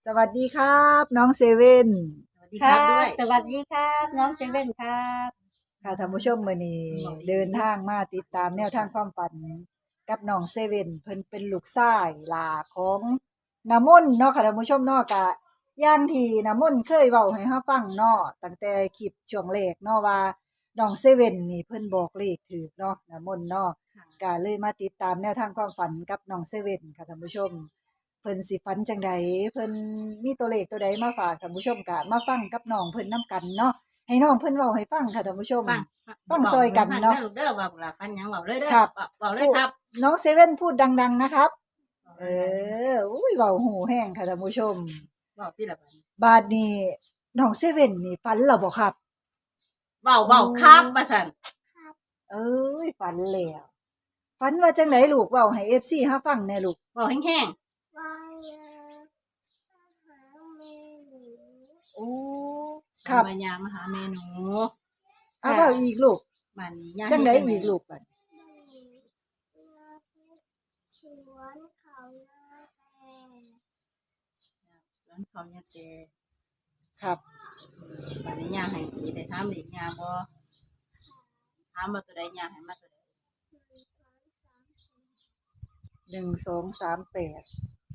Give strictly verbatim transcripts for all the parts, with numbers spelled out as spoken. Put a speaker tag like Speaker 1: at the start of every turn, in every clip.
Speaker 1: สวัสดีครับน้องเซเว่น
Speaker 2: สวัสดี
Speaker 3: ครั
Speaker 2: ครับด้วย
Speaker 3: บสวัสดีครับน้องเซเว่นครับ
Speaker 1: ค่ะท่านผู้ชมมื้อนี้เดินทางมาติดตามแนวทางความฝันกับน้องเซเว่นเพิ่นเป็นลูกชายหลาของน้ำมนต์เนาะค่ะท่านผู้ชมเนาะก็อย่างที่น้ำมนต์เคยเว้าให้เราฟังเนาะตั้งแต่คลิปช่วงแรกเนาะว่าน้องเซเว่นนี่เพิ่นบอกเลขถูกเนาะน้ำมนต์เนาะก็เลยมาติดตามแนวทางความฝันกับน้องเซเว่นค่ะท่านผู้ชม เพิ่นสิฝันจังใดเพิ่นมีตัวเลขตัวใดมาฝากท่านผู้ชมก็มาฟังกับน้องเพิ่นนํกันเนาะให้น้องเพิ่นเว้าให้ฟังค่ะท่านผู้ชม
Speaker 2: ฟัง
Speaker 1: ฟังซอยกันเนาะ
Speaker 2: เด้อเด้อว่าล่ะฟันหยังเว้าเลยเด้อ
Speaker 1: ครับ
Speaker 2: เว้าเลยครับ
Speaker 1: น้องเซเว่นพูดดังๆนะครับเอออุ้ยเว้าหูแห้งค่ะท่านผู้ชม
Speaker 2: เว้าติละบัด
Speaker 1: บาดนี้น้องเซเว่นนี่ฝันแล้วบ่ครับ
Speaker 2: เว้าเว้าครับว่าซั่น
Speaker 1: เอ้ยฝันแล้วฝันว่าจังไดลูกเว้าให้ เอฟ ซี เฮาฟังแหน่ลูก
Speaker 2: เว้าแห้ง
Speaker 3: ว่ามาหาเมหนู
Speaker 1: โอ้
Speaker 2: ๆ
Speaker 1: ครับ
Speaker 2: มายามมาหาแม่หนู
Speaker 1: เอาเว้าอีกลูก
Speaker 2: บัดนี้ย่า
Speaker 1: จังได
Speaker 2: เฮ็
Speaker 1: อีกลูกบัด
Speaker 3: สวนเขาหน้าแต่
Speaker 2: สวนเขาเนี่ยแต่
Speaker 1: ครับ
Speaker 2: บัดนี้ย่าให้สิได้ถามอีกย่าบ่ถามว่าตัวใดย่าให้มาตัวใด
Speaker 1: หนึ่งสองสามแปด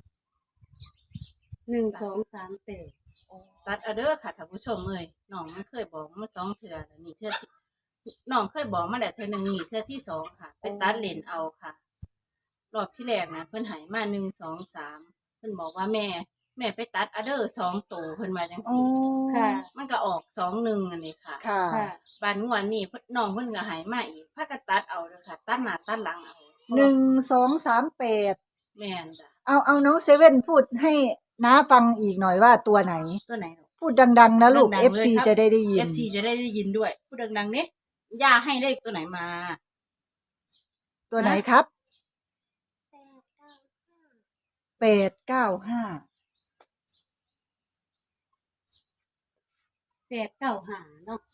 Speaker 3: หนึ่งสองสามแปด
Speaker 2: ตัดเอาเด้อค่ะท่านผู้ชมเอ้ยน้องมันเคยบอกมาสองเทื่อแล้วนี่เทื่อที่น้องเคยบอกมาแล้วเทื่อหนึงนี่เทื่อที่สองค่ะไปตัดเลนเอาค่ะ รอบที่แรกนะเพิ่นให้มาหนึ่งสองสามเพิ่นบอกว่าแม่ แม่ไปตัดอเดอร์สองตัวเพิ่นว่าจัง
Speaker 1: อ๋อ
Speaker 2: ซี่
Speaker 3: ค่ะ
Speaker 2: มันก็ออกสองหนึ่งอันนี้ค่ะ
Speaker 1: ค่ะ
Speaker 3: ค่ะ
Speaker 2: บัดงวดนี้เพิ่นน้องเพิ่นก็ให้มาอีกพากันตัดเอาเด้อค่ะ ตัดหน้าตัดหลังเอา
Speaker 1: หนึ่งสองสามแปด
Speaker 2: แม่นจ้ะ
Speaker 1: เอาเอาน้องเซเว่นพูดให้น้าฟังอีกหน่อยว่าตัวไหน
Speaker 2: ตัวไหนลูก
Speaker 1: พูดดัง ๆ นะลูก
Speaker 2: ดังๆเลย
Speaker 1: เอฟ ซี
Speaker 2: ครับ
Speaker 1: จะได้ได้ยิน
Speaker 2: เอฟ ซี จะได้ได้ยินด้วยพูดดังๆนี้ย่าให้เลขตัวไหนมา
Speaker 1: ตัวไหนครับ
Speaker 3: แปดเก้าห้า
Speaker 1: แปดเก้าห้า
Speaker 3: แปดเก้าห้าเนาะ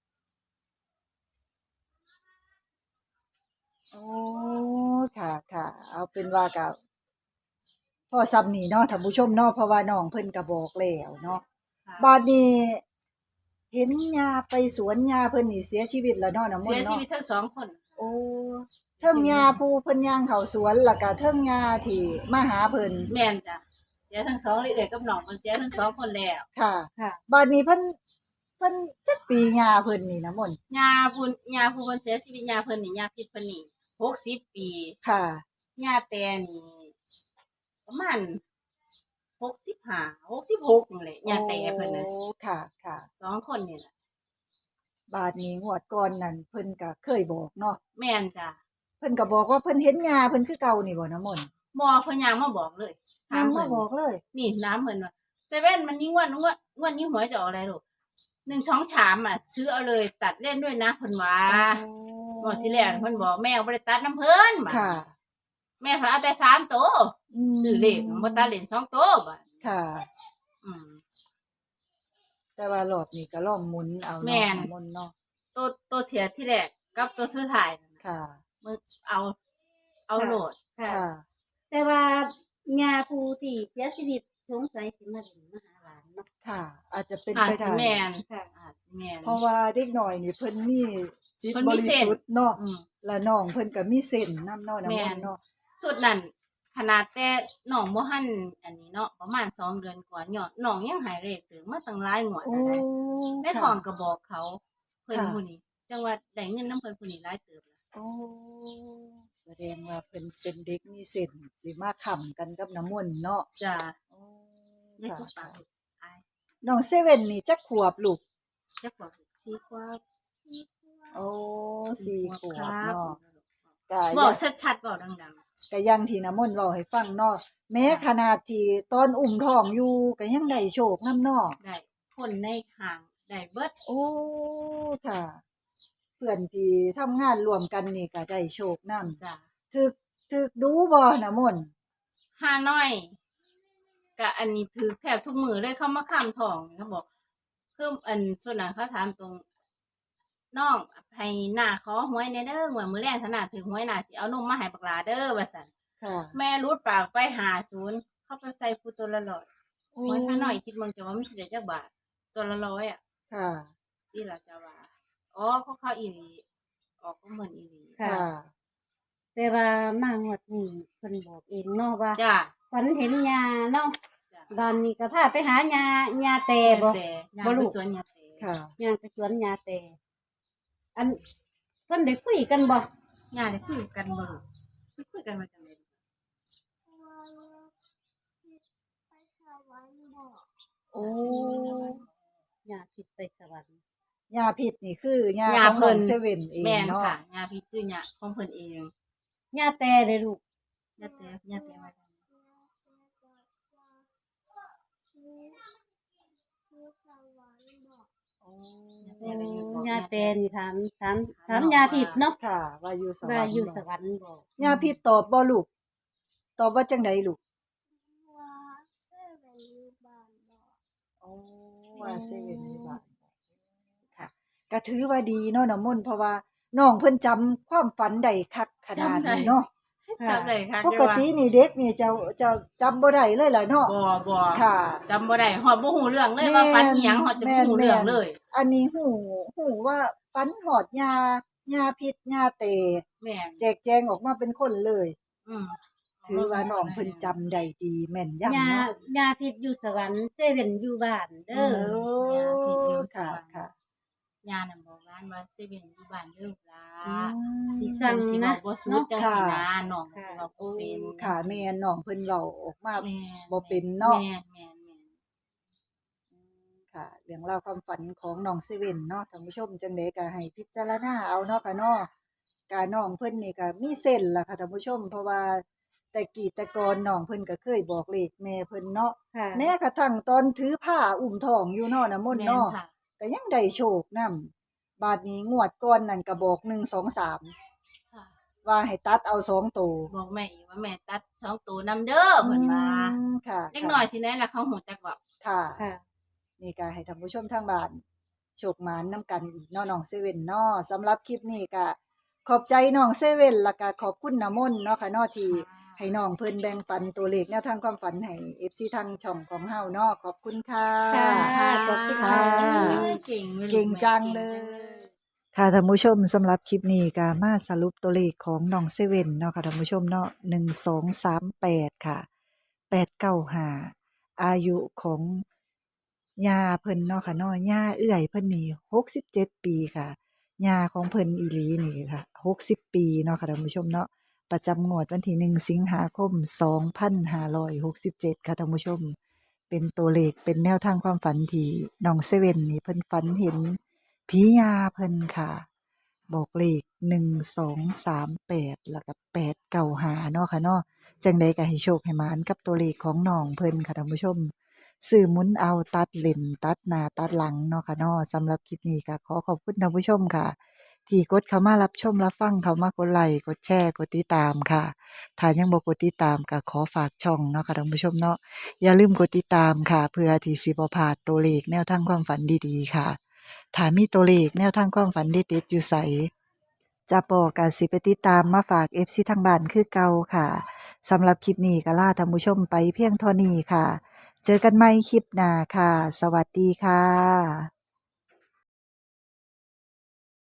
Speaker 1: โอ้ค่ะค่ะเอาเป็นว่ากับพ่อซ้ำนี่เนาะท่านผู้ชมเนาะเพราะว่าน้องเพิ่นก็บอกแล้วเนาะ
Speaker 2: ค่ะ
Speaker 1: บาดนี้เห็นยาไปสวนยาเพิ่นนี่เสียชีวิตแล้วเนาะน้ำมน
Speaker 2: เสีย
Speaker 1: ต์
Speaker 2: ชี
Speaker 1: เนาะ
Speaker 2: วิตทั้งสองคน
Speaker 1: โอ้เทิงยาผู้เพิ่นย่างเข้าสวนแล้วก็เทิงยาที่มาหาเพิ่น
Speaker 2: แม่นจ้ะเสียทั้งสองเลยเอ่ยกับน้องเพิ่นเสียทั้งสองคนแล้ว
Speaker 1: ค่ะ
Speaker 3: ค่ะ
Speaker 1: บาดนี้เพิ่นเพิ่นจักปียาเพิ่นนี่น้ำมนต์
Speaker 2: ยาพุ่นยาผู้เพิ่นเสียชีวิตยาเพิ่นนี่ยาพิษเพิ่นนี่หกสิบปี
Speaker 1: ค่ะ
Speaker 2: ยาแต่นี่ประมาณหกสิบห้า หกสิบหกนี่แหละยาแต่เพิ่นน่ะ
Speaker 1: โอ้ค่ะค่ะ
Speaker 2: สองคนนี่แหละ
Speaker 1: บาดนี้งวดก่อนนั่นเพิ่นก็เคยบอกเนาะ
Speaker 2: แม่นจ้ะ
Speaker 1: เพิ่นก็บอกว่าเพิ่นเห็นยาเพิ่นคือเก่านี่บ่น้ำมนต์
Speaker 2: บ่เพิ่นยางมาบอกเลยถา
Speaker 1: ย่าม ง
Speaker 2: เพิ่
Speaker 1: มาน บอกเลย
Speaker 2: นี่น้ำเพิ่นว่าเซเว่นมันนี้งวดงวดงวดนี้หวยจะออกอะไรลูกหนึ่งสองสามอ่ะซื้อเอาเลยตัดเล่นด้วยนะเพิ่นว่า งวดที่แล้วเพิ่นบอกแม่บ่ได้ตัดน้ำเพิ่นบัด
Speaker 1: ค่ะ
Speaker 2: แม่เพิ่นเอาแต่สามโตว
Speaker 1: ม
Speaker 2: ซื้อเลขบ่ตัดเล่นสองโตวบัด
Speaker 1: ค่ะ
Speaker 2: อืม
Speaker 1: แต่ว่ารอบนี้ก็ลองหมุนเอา
Speaker 2: แม่
Speaker 1: เนาะ
Speaker 2: น
Speaker 1: น้ำมนต์เนาะ
Speaker 2: ตัวตัวเถียที่แรกกับตัวสุดท้ายนั่นน่ะ
Speaker 1: ค่ะ
Speaker 2: มึงเอา เอาโหลด
Speaker 3: ค่ะ
Speaker 1: ค่ะ
Speaker 3: แต่ว่ายาผู้ที่เสียชีวิตสงสัยสิมาถึงมาหาหลานเนาะ
Speaker 1: ค่ะ อาจจะเป็น
Speaker 2: อาจ
Speaker 1: ไป
Speaker 2: สิ
Speaker 1: ได้
Speaker 2: แม่น
Speaker 3: ค่ะ
Speaker 2: อาจสิแม่น
Speaker 1: เพราะว่าเด็กน้อยนี่เพิ่นมีจิต
Speaker 2: เพิ่น
Speaker 1: บ
Speaker 2: มี
Speaker 1: ริ
Speaker 2: เส้น
Speaker 1: สุทธิ์เนาะ
Speaker 2: อืม
Speaker 1: และน้องเพิ่นก็มีเส้นนำเนาะน้ำ
Speaker 2: แม่
Speaker 1: มน
Speaker 2: น
Speaker 1: ต์เนาะ
Speaker 2: สุดนั้นขนาดแต่น้องบ่ทันอันนี้เนาะประมาณสองเดือนกว่าเนาะน้องยังหายเลขถึงมาตั้งหลายงวด
Speaker 1: โอ้
Speaker 2: แล้วได้ใน
Speaker 1: ค่ะ
Speaker 2: ท้องก็บอกเขา เพิ่น
Speaker 1: ค่ะ
Speaker 2: ผู้นี้จังว่าได้เงินนำเพิ่นผู้นี้หลายเติบแล้ว
Speaker 1: โอ้แสดงว่าเพิ่นเป็นเด็กมีเส้นสิมาค้ำกันกับน้ำมนต์เนาะ
Speaker 2: จ้ะ
Speaker 1: โอ้
Speaker 2: ได้
Speaker 1: ค่ะ
Speaker 2: ทุกปา
Speaker 1: ค่ะ
Speaker 2: กอาย
Speaker 1: น้องเซเว่นนี่จักขวบลูก
Speaker 2: จักว่าสี่ขวบ
Speaker 1: โอ้สี่ขวบ
Speaker 2: ครับ
Speaker 1: เนาะก็
Speaker 2: บ
Speaker 1: ยั
Speaker 2: อง กชัดๆบอกดัง
Speaker 1: ก็อยังที่น้ำมนต์เว้าให้ฟังเนาะแม้ขนาดที่ตอนอุ้มท้องอยู่ก็ยังได้โชคนำเนาะ
Speaker 2: ๆได้คนในห้างได้เบิด
Speaker 1: โอ้ค่ะ เพื่อนที่ทำงานร่วมกันนี่ก็ได้โชคนำ
Speaker 2: จ้ะ
Speaker 1: ถึกถึกดูบ่น้ำมนต์
Speaker 2: ห้าน้อยก็อันนี้ถือแทบทุกมือเลยเขามาค้ำทองเขาบอกคืออันส่วนนั้นเขาถามตรงน้องให้หน้าขอหวยในเด้อหวยมือแรงถนัดถือหวยหน้าสิเอานมมาให้บักหลาเด้อว่าซั่น
Speaker 1: ค่ะ
Speaker 2: แม่รูดปากไปหาศูนย์เข้าไปใส่ผู้ตัวละร้อย
Speaker 1: โอ้
Speaker 2: เหมือนถ้าน้อยคิดมึงจะว่ามันสิได้จักบาทตัวละร้อยอ่ะ
Speaker 1: ค่ะ
Speaker 2: ที่เราจะว่าอ๋อเขาเข้าอีหลีออกก็เหมือนอีหลี
Speaker 3: ค่ะ
Speaker 1: ค่ะ
Speaker 3: แต่ว่ามางวดนี้เพิ่นบอกเองเนาะว่า
Speaker 2: จ้า
Speaker 3: ฝันเห็นยาเนาะ
Speaker 2: จ้า
Speaker 3: บ้านนี้ก็พาไปหายายาแต่บ่
Speaker 2: แต่ยา
Speaker 3: บ่
Speaker 2: ไป
Speaker 3: ลูก
Speaker 2: สวนยาแต่
Speaker 1: ค่ะ
Speaker 3: ยางไปสวนยาแต่อันเพิ่นได้คุยกันบ่
Speaker 2: ยาได้คุยกันบ่ลูกไปคุยกันมาจังได๋
Speaker 1: โอ้
Speaker 3: ยาผิดไปสวรรค์
Speaker 1: ยาพิษนี่คือยา
Speaker 2: ญา
Speaker 1: ของ
Speaker 2: เพิ่
Speaker 1: น้อน งเซเว่นเอง
Speaker 2: แม่น
Speaker 1: เนาะ
Speaker 2: ค่ะยาพิษคือยาของเพิ่นเอง
Speaker 3: ยาแต่เลยลูก
Speaker 2: ยาแต่ยาแต่ว่าจังได๋
Speaker 1: โอ้
Speaker 2: ยาแต่ก็อยู่บอก
Speaker 3: ยาแต่นี่ถามถามถาม
Speaker 2: ถาม
Speaker 3: ยาผิดเนาะ
Speaker 1: ค่ะ ว่าอยู่สวร
Speaker 3: ว่าร
Speaker 1: ค์
Speaker 3: อยู่
Speaker 1: บ่
Speaker 3: สวรรค์บ่
Speaker 1: ยาพิษตอบบ่ลูก ตอบว่าจังไดลูกโอ้ว่าเซเว่นอยู่บ้านค่ะก็ถือว่าดีเนาะน้ำมนต์เพราะว่าน้องเพิ่นจำความฝันได้คักขนาดนี้เนาะ
Speaker 2: จำได้ค่ะ
Speaker 1: ปกตินี่เด็กนี่จะจะจำบ่ได้เลยล่ะเนาะ
Speaker 2: บ่บ่
Speaker 1: ค่ะ
Speaker 2: จำบ่ได้ฮอดบ่ฮู้เรื่องเลยว่าฝันอีหยังฮอดจะบ่ฮู้เรื่องเลย
Speaker 1: อันนี้หูหูว่าฟันหอดยายาพิษยาเต
Speaker 2: แม่น
Speaker 1: แจกแจงออกมาเป็นคนเลย
Speaker 2: อืม
Speaker 1: ถือว่าน้องเพิ่นจำได้ดีแม่นยำ
Speaker 3: ยา
Speaker 1: เนาะ
Speaker 3: ยาผิดอยู่สวรรค์เซเว่นอยู่บ้านเด้
Speaker 1: เอ
Speaker 3: อ
Speaker 1: อค่ะค่ะ
Speaker 2: ยานั่นบอกร้านว่าเซเว่นอยู่บ้านเด้อล่ะ
Speaker 1: อืม
Speaker 3: สิ
Speaker 2: สั่
Speaker 3: สั่
Speaker 2: ง
Speaker 3: ง
Speaker 2: สิบอ
Speaker 3: นะ
Speaker 2: กบ่สุดจังสินะน้องก็สิบอก
Speaker 1: โอ้
Speaker 2: บ่เป็น
Speaker 1: ค่ะแม่นน้องเพิ่นเว้าออกมา
Speaker 2: แม่น
Speaker 1: บ่เป็นเนาะ
Speaker 2: แม่นแม่นแม่น
Speaker 1: ค่ะเรื่องราวความฝันของน้องเซเว่นเนาะท่านผู้ชมจังได๋ก็ให้พิจารณาเอาเนาะค่ะเนาะกาน้องเพิ่นนี่ก็มีเส้นล่ะค่ะท่านผู้ชม เพราะว่าแต่กี้แต่ก่อนน้องเพิ่นก็เคยบอกเลขแม่เพิ่นเนาะ
Speaker 3: ค่ะ
Speaker 1: แม้กระทั่งตอนถือผ้าอุ้มท้องอยู่เนาะน้ำมนต์
Speaker 2: แม่น
Speaker 1: เนาะ
Speaker 2: ค่ะ
Speaker 1: ก็ยังได้โชคนำบาดนี้งวดก่อนนั่นก็บอกหนึ่ง สอง สาม
Speaker 2: ค่ะ
Speaker 1: ว่าให้ตัดเอาสองตัว
Speaker 2: บอกแม่อีกว่าแม่ตัดสองตัวนำเด้อเพิ่นว่า
Speaker 1: อืมค่ะ
Speaker 2: เล็กน้อยที่ไหนล่ะเขาหูจักว่า
Speaker 1: ค่ะ
Speaker 3: ค่ะ
Speaker 1: นี่ก็ให้ท่านผู้ชมทางบ้านโชคหมานนํกันอีกเนาะน้องเซเว่นเนาะสำหรับคลิปนี้ก็ขอบใจน้องเซเว่นแล้วก็ขอบคุณน้ำมนต์เนาะค่ะเนาะที่ให้น้องเพิ่นแบ่งปันตัวเลขแนวทางความฝันให้ เอฟ ซี ทางช่องของเฮาเนาะขอบคุณค่ะ
Speaker 3: ค่ะ ขอบคุณค่ะ
Speaker 2: เก่งลย
Speaker 1: เก่งจังเลย ค่ะท่านผู้ชมสำหรับคลิปนี้ก็มาสรุปตัวเลขของน้องเซเว่นเนาะค่ะท่านผู้ชมเนาะหนึ่ง สอง สาม แปดค่ะแปด เก้า ห้าอายุของย่าเพิ่นเนาะค่ะเนาะย่าเอื้อยเพิ่นนี่หกสิบเจ็ดปีค่ะย่าของเพิ่นอีหลีนี่ค่ะหกสิบปีเนาะค่ะท่านผู้ชมเนาะประจำงวดวันที่หนึ่งสิงหาคมสองพันห้าร้อยหกสิบเจ็ดค่ะท่านผู้ชม เป็นตัวเลขเป็นแนวทางความฝันที่น้องเซเว่นนี่เพิ่นฝันเห็นผียาเพิ่นค่ะ บอกเลขหนึ่ง สอง สาม แปดแล้วก็แปด เก้า ห้าเนาะค่ะเนาะจังใดก็ให้โชคให้หมานกับตัวเลขของน้องเพิ่นค่ะท่านผู้ชมซื้อหมุนเอาตัดเล่นตัดหน้าตัดหลังเนาะค่ะเนาะสำหรับคลิปนี้ก็ขอขอบคุณท่านผู้ชมค่ะ ที่กดเข้ามารับชมรับฟังเข้ามากดไลค์กดแชร์กดติดตามค่ะถ้ายังบ่กดติดตามก็ขอฝากช่องเนาะค่ะท่านผู้ชมเนาะอย่าลืมกดติดตามค่ะ เพื่อที่สิบ่พลาดตัวเลขแนวทางความฝันดีๆค่ะถ้ามีตัวเลขแนวทางความฝันเด็ดๆอยู่ไสจะปอก็สิไปติดตามมาฝาก เอฟ ซี ทางบ้านคือเก่าค่ะสำหรับคลิปนี้ก็ลาท่านผู้ชมไปเพียงเท่านี้ค่ะ เจอกันใหม่คลิปหน้าค่ะ สวัสดีค่ะ